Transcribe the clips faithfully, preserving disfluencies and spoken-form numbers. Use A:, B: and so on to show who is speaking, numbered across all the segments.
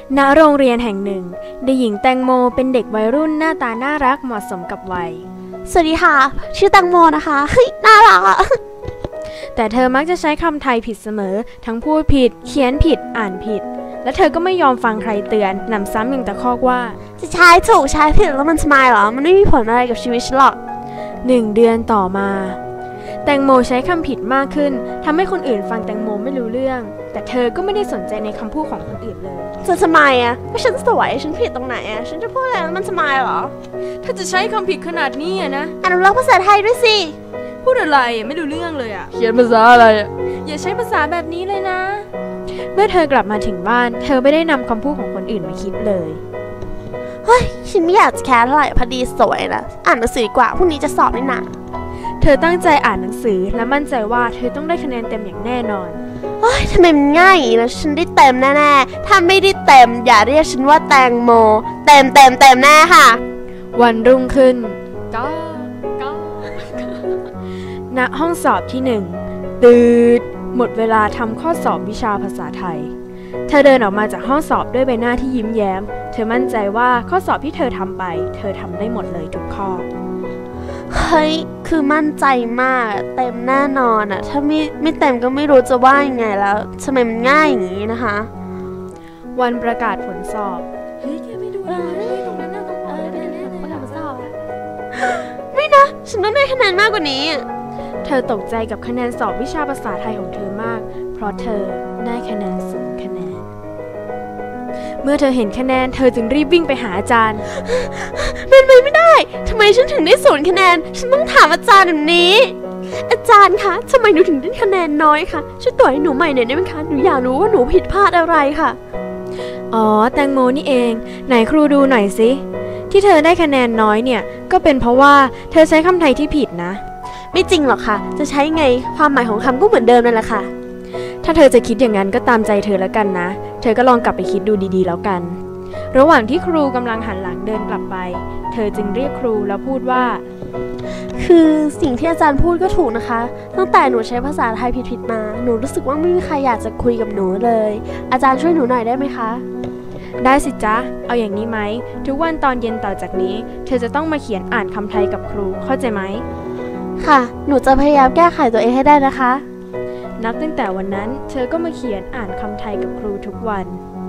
A: ณโรงเรียนแห่งหนึ่งเด็กหญิงแตงโมเป็นเด็กวัยรุ่นหน้าตาน่ารักเหมาะสมกับวัย
B: สวัสดีค่ะชื่อแตงโมนะคะเฮ้ยน่ารักอะ
A: แต่เธอมักจะใช้คำไทยผิดเสมอทั้งพูดผิดเขียนผิดอ่านผิดและเธอก็ไม่ยอมฟังใครเตือนหนำซ้ำยังตะคอกว่า
B: จะใช้ถูกใช้ผิดแล้วมันสมายเหรอมันไม่มีผลอะไรกับชีวิตฉันหรอก
A: หนึ่งเดือนต่อมาแตงโมใช้คำผิดมากขึ้นทำให้คนอื่นฟังแตงโมไม่รู้เรื่องแต่เธอก็ไม่ได้สนใจในคำพูดของคนอื่นเลย
B: จะสมายอะก็ฉันสวยฉันผิดตรงไหนอะฉันจะพูดอะไรแล้วมันสมายเหรอ
A: ถ้าจะใช้คำผิดขนาดนี้อะนะ
B: อนุรักษ์ภาษาไทยด้วยสิ
A: พูดอะไรไม่รู้เรื่องเลยอะ
C: เขียนภาษาอะไรอะ
A: อย่าใช้ภาษาแบบนี้เลยนะเมื่อเธอกลับมาถึงบ้านเธอไม่ได้นำคำพูดของคนอื่นมาคิดเลย
B: เฮ้ยฉันไม่อยากจะแคร์เท่าไหร่พอดีสวยนะอ่านหนังสือดีกว่าพรุ่งนี้จะสอบนี่นะ
A: เธอตั้งใจอ่านหนังสือและมั่นใจว่าเธอต้องได้คะแนนเต็มอย่างแน่นอน
B: เฮ้ยทำไมมันง่ายอย่างนี้นะฉันได้เต็มแน่ๆถ้าไม่ได้เต็มอย่าเรียกฉันว่าแตงโมเต็มเต็มเต็มแน่ค่ะ
A: วันรุ่งขึ้นก็ก็ณห้องสอบที่หนึ่งตืดหมดเวลาทำข้อสอบวิชาภาษาไทยเธอเดินออกมาจากห้องสอบด้วยใบหน้าที่ยิ้มแย้มเธอมั่นใจว่าข้อสอบที่เธอทำไปเธอทำได้หมดเลยทุกข้อ
B: เฮ้ยคือมั่นใจมากเต็มแน่นอนอะถ้าไม่ไม่เต็มก็ไม่รู้จะว่ายังไงแล้วทำไมมันง่ายอย่างนี้นะคะ
A: วันประกาศผลสอบเฮ้ยแกไม่ดูเลยตรงนั้นน่ะตรงนั้น
B: ประกาศผลสอบไม่นะฉันต้องได้คะแนนมากกว่านี้
A: เธอตกใจกับคะแนนสอบวิชาภาษาไทยของเธอมากเพราะเธอได้คะแนนศูนย์คะแนนเมื่อเธอเห็นคะแนนเธอจึงรีบวิ่งไปหาอาจารย์
B: เป็นไปไม่ได้ทำไมฉันถึงได้ศูนย์คะแนนฉันต้องถามอาจารย์แบบนี้อาจารย์คะทำไมหนูถึงได้คะแนนน้อยคะช่วยตรวจให้หนูใหม่หน่อยได้ไหมคะหนูอยากรู้ว่าหนูผิดพลาดอะไรค่ะ
A: อ๋อแตงโมนี่เองไหนครูดูหน่อยสิที่เธอได้คะแนนน้อยเนี่ยก็เป็นเพราะว่าเธอใช้คำไทยที่ผิดนะ
B: ไม่จริงหรอกค่ะจะใช้ไงความหมายของคำก็เหมือนเดิมนั่นแหละค่ะ
A: ถ้าเธอจะคิดอย่างนั้นก็ตามใจเธอแล้วกันนะเธอก็ลองกลับไปคิดดูดีๆแล้วกันระหว่างที่ครูกำลังหันหลังเดินกลับไปเธอจึงเรียกครูแล้วพูดว่า
B: คือสิ่งที่อาจารย์พูดก็ถูกนะคะตั้งแต่หนูใช้ภาษาไทยผิดๆมาหนูรู้สึกว่าไม่มีใครอยากจะคุยกับหนูเลยอาจารย์ช่วยหนูหน่อยได้ไหมคะ
A: ได้สิจ๊ะเอาอย่างนี้ไหมทุกวันตอนเย็นต่อจากนี้เธอจะต้องมาเขียนอ่านคำไทยกับครูเข้าใจไหม
B: ค่ะหนูจะพยายามแก้ไขตัวเองให้ได้นะคะ
A: นับตั้งแต่วันนั้นเธอก็มาเขียนอ่านคำไทยกับครูทุกวัน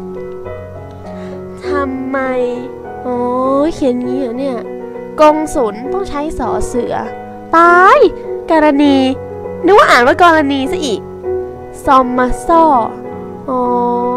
B: ทำไมโอ้เขียนงี้เหรอเนี่ยกงสุลต้องใช้สอเสือตายกรณีนึกว่าอ่านว่ากรณีซะอีกซอมมาซ่ออ๋อ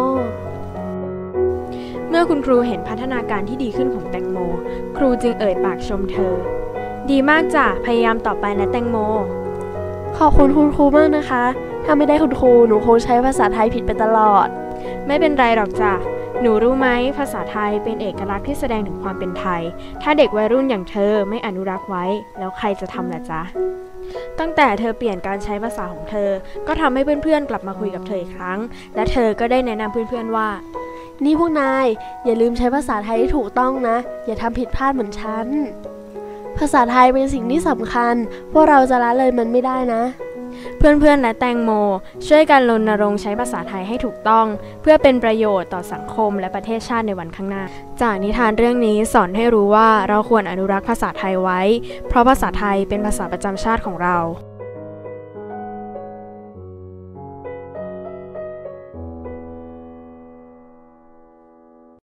A: เมื่อคุณครูเห็นพัฒนาการที่ดีขึ้นของแตงโมครูจึงเอ่ยปากชมเธอดีมากจ้ะพยายามต่อไปนะแตงโม
B: ขอบคุณคุณครูมากนะคะถ้าไม่ได้คุณครูหนูคงใช้ภาษาไทยผิดไปตลอด
A: ไม่เป็นไรหรอกจ้ะหนูรู้ไหมภาษาไทยเป็นเอกลักษณ์ที่แสดงถึงความเป็นไทยถ้าเด็กวัยรุ่นอย่างเธอไม่อนุรักษ์ไว้แล้วใครจะทำล่ะจ๊ะตั้งแต่เธอเปลี่ยนการใช้ภาษาของเธอก็ทำให้เพื่อนๆกลับมาคุยกับเธออีกครั้งและเธอก็ได้แนะนำเพื่อนๆว่า
B: นี่พวกนายอย่าลืมใช้ภาษาไทยที่ถูกต้องนะอย่าทำผิดพลาดเหมือนฉันภาษาไทยเป็นสิ่งที่สำคัญพวกเราจะละเลยมันไม่ได้นะ
A: เพื่อนๆและแตงโมช่วยกันรณรงค์ใช้ภาษาไทยให้ถูกต้องเพื่อเป็นประโยชน์ต่อสังคมและประเทศชาติในวันข้างหน้าจากนิทานเรื่องนี้สอนให้รู้ว่าเราควรอนุรักษ์ภาษาไทยไว้เพราะภาษาไทยเป็นภาษาประจำชาติของเรา